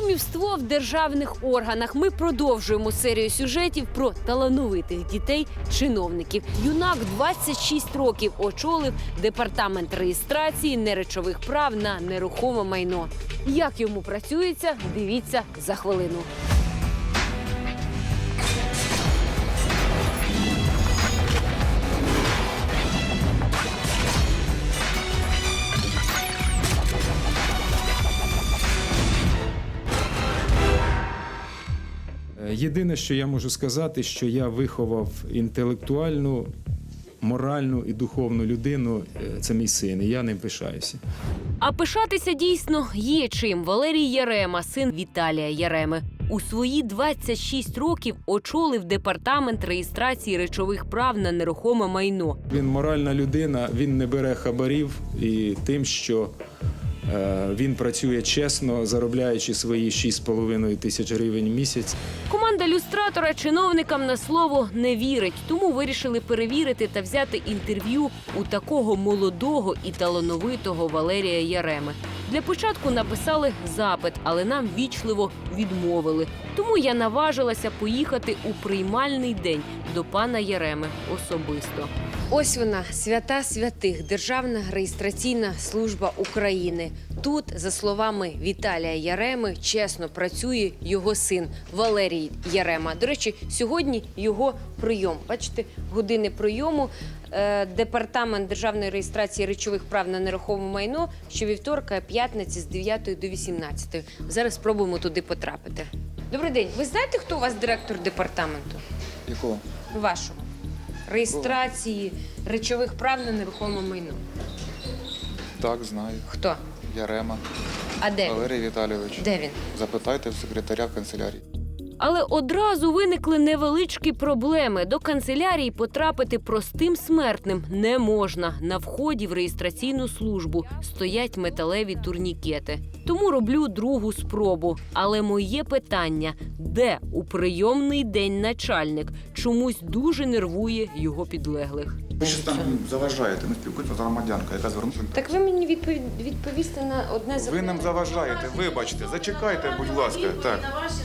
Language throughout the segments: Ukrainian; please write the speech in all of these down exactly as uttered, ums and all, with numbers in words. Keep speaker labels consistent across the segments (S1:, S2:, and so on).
S1: Кумівство в державних органах. Ми продовжуємо серію сюжетів про талановитих дітей-чиновників. Юнак двадцять шість років очолив департамент реєстрації неречових прав на нерухоме майно. Як йому працюється, дивіться за хвилину.
S2: Єдине, що я можу сказати, що я виховав інтелектуальну, моральну і духовну людину. Це мій син, і я ним пишаюся.
S1: А пишатися дійсно є чим. Валерій Ярема, син Віталія Яреми. У свої двадцять шість років очолив департамент реєстрації речових прав на нерухоме майно.
S2: Він моральна людина, він не бере хабарів і тим, що е, він працює чесно, заробляючи свої шість з половиною тисяч гривень в місяць.
S1: Команда люстратора чиновникам на слово не вірить, тому вирішили перевірити та взяти інтерв'ю у такого молодого і талановитого Валерія Яреми. Для початку написали запит, але нам вічливо відмовили. Тому я наважилася поїхати у приймальний день до пана Яреми особисто. Ось вона, свята святих, Державна реєстраційна служба України. Тут, за словами Віталія Яреми, чесно працює його син Валерій Ярема. До речі, сьогодні його прийом. Бачите, години прийому. Департамент державної реєстрації речових прав на нерухоме майно щовівторка, п'ятниці з дев'ятої до вісімнадцятої. Зараз спробуємо туди потрапити. Добрий день. Ви знаєте, хто у вас директор департаменту?
S3: Якого?
S1: Вашого. Реєстрації речових прав на нерухоме майно.
S3: Так, знаю.
S1: Хто?
S3: Ярема.
S1: А де він?
S3: Валерій Віталійович.
S1: Де він?
S3: Запитайте в секретаря канцелярії.
S1: Але одразу виникли невеличкі проблеми. До канцелярії потрапити простим смертним не можна. На вході в реєстраційну службу стоять металеві турнікети. Тому роблю другу спробу. Але моє питання – де у прийомний день начальник? Чомусь дуже нервує його підлеглих.
S3: Ви що там заважаєте? Ми спілкуємося з громадянкою, яка звернулася.
S1: Так ви мені відпові... відповісти на одне запитання.
S3: Ви нам заважаєте, вибачте, зачекайте, будь ласка. Так.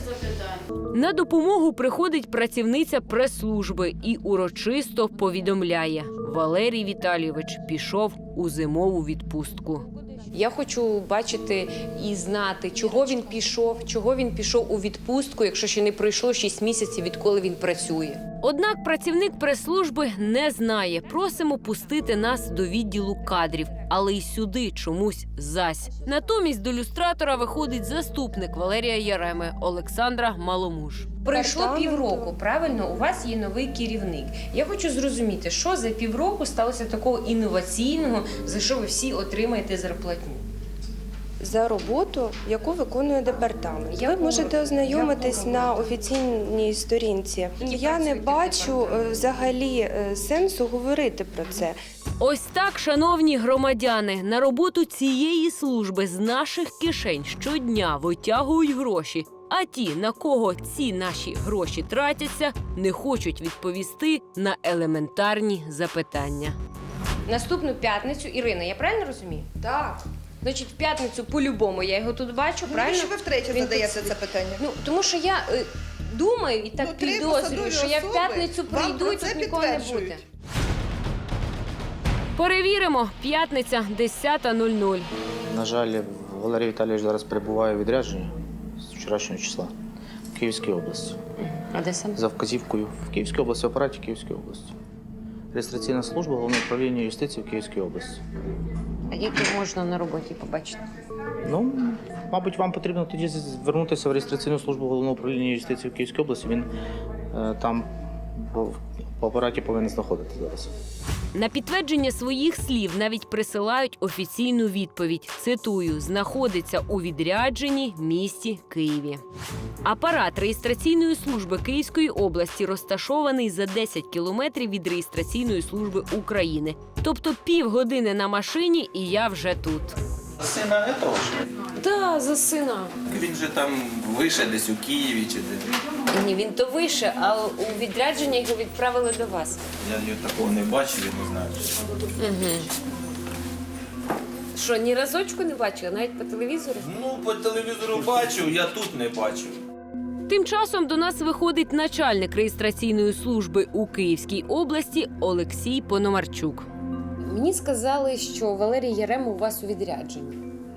S1: На допомогу приходить працівниця прес-служби і урочисто повідомляє: Валерій Віталійович пішов у зимову відпустку. Я хочу бачити і знати, чого він пішов, чого він пішов у відпустку, якщо ще не пройшло шість місяців, відколи він працює. Однак працівник прес-служби не знає. Просимо пустити нас до відділу кадрів, але й сюди чомусь зась. Натомість до люстратора виходить заступник Валерія Яреми Олександра Маломуж. Пройшло півроку, правильно? У вас є новий керівник. Я хочу зрозуміти, що за півроку сталося такого інноваційного, за що ви всі отримаєте зарплатню?
S4: За роботу, яку виконує департамент.
S1: Яку?
S4: Ви можете ознайомитись
S1: Яку
S4: на офіційній сторінці.
S1: Які
S4: Я не
S1: працюють
S4: бачу
S1: департаменти?
S4: е, взагалі е, сенсу говорити про це.
S1: Ось так, шановні громадяни, на роботу цієї служби з наших кишень щодня витягують гроші. А ті, на кого ці наші гроші тратяться, не хочуть відповісти на елементарні запитання. Наступну п'ятницю, Ірина, я правильно розумію?
S5: Так.
S1: Значить, в п'ятницю по-любому я його тут бачу,
S5: Ну,
S1: правильно?
S5: що ви втретє
S1: Він
S5: задаєте
S1: тут-
S5: це питання?
S1: Ну, тому що я е, думаю і так
S5: Ну, три
S1: підозрюю,
S5: посадові
S1: що я в
S5: особи
S1: п'ятницю
S5: вам
S1: прийду
S5: про
S1: і
S5: це
S1: тут нікого не буде.
S5: підтверджують.
S1: Перевіримо. П'ятниця, десята нуль нуль.
S6: На жаль, Валерій Віталійович зараз перебуває у відрядженні з вчорашнього числа в Київській області.
S1: А де саме?
S6: За вказівкою в Київській області, в апараті Київської області. Реєстраційна служба Головного управління юстиції в Київській області.
S1: А як його можна на роботі побачити?
S6: Ну, мабуть, вам потрібно тоді звернутися в реєстраційну службу Головного управління юстиції в Київській області. Він е, там по, по апараті повинен знаходитися зараз.
S1: На підтвердження своїх слів навіть присилають офіційну відповідь. Цитую: знаходиться у відрядженні місті Києві. Апарат реєстраційної служби Київської області розташований за десять кілометрів від реєстраційної служби України. Тобто півгодини на машині, і я вже тут.
S7: Сина этого ж?
S1: Так, за сина.
S7: Він же там вище десь у Києві чи де.
S1: Ні, він то вище, а у відрядження його відправили до вас.
S7: Я його такого не бачив, я не знаю.
S1: Угу. Що, ні разочку не бачила, навіть по телевізору?
S7: Ну, по телевізору бачив, я тут не бачив.
S1: Тим часом до нас виходить начальник реєстраційної служби у Київській області Олексій Пономарчук.
S5: Мені сказали, що Валерій Ярема у вас у відрядженні.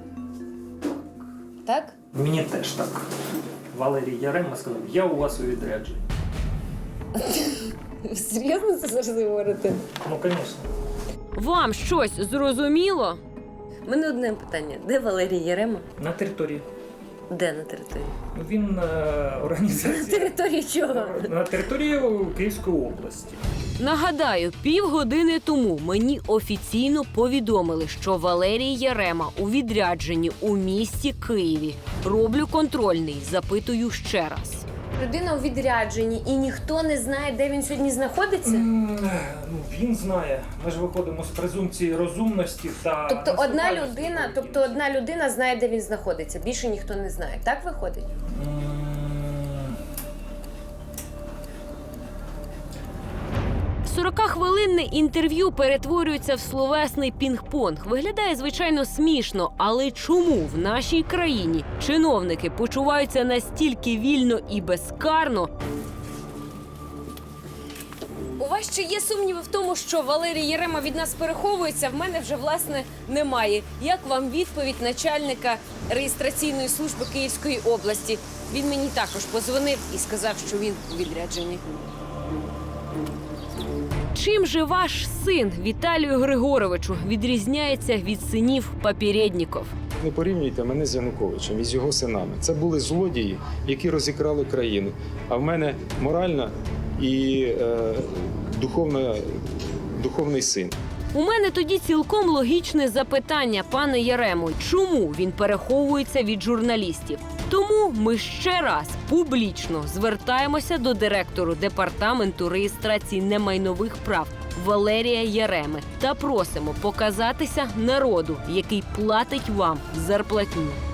S5: Так?
S8: Мені теж так. Валерій Ярема сказав, я у вас у відрядженні.
S5: Серйозно це завжди говорите?
S8: Ну, звісно.
S1: Вам щось зрозуміло?
S5: У мене одне питання. Де Валерій Ярема?
S8: На території.
S5: Де на території?
S8: Ну, Він е, організація.
S5: Території чого?
S8: На території Київської області.
S1: Нагадаю, півгодини тому мені офіційно повідомили, що Валерій Ярема у відрядженні у місті Києві. Роблю контрольний, запитую ще раз.
S5: Людина у відрядженні і ніхто не знає, де він сьогодні знаходиться?
S8: М, Ну, він знає. Ми ж виходимо з презумпції розумності та...
S5: Тобто одна
S8: наступальності
S5: людина,
S8: поведінки.
S5: тобто одна людина знає, де він знаходиться. Більше ніхто не знає. Так виходить?
S8: М,
S1: сорокахвилинне інтерв'ю перетворюється в словесний пінг-понг. Виглядає, звичайно, смішно, але чому в нашій країні чиновники почуваються настільки вільно і безкарно?
S5: У вас ще є сумніви в тому, що Валерій Ярема від нас переховується? В мене вже, власне, немає. Як вам відповідь начальника реєстраційної служби Київської області? Він мені також позвонив і сказав, що він у відрядженні.
S1: Чим же ваш син Віталію Григоровичу відрізняється від синів попередників?
S2: Не порівнюйте мене з Януковичем і з його синами. Це були злодії, які розікрали країну. А в мене моральна і е, духовна, духовний син.
S1: У мене тоді цілком логічне запитання, пане Яремо, чому він переховується від журналістів? Тому ми ще раз публічно звертаємося до директору департаменту реєстрації немайнових прав Валерія Яреми та просимо показатися народу, який платить вам зарплатню.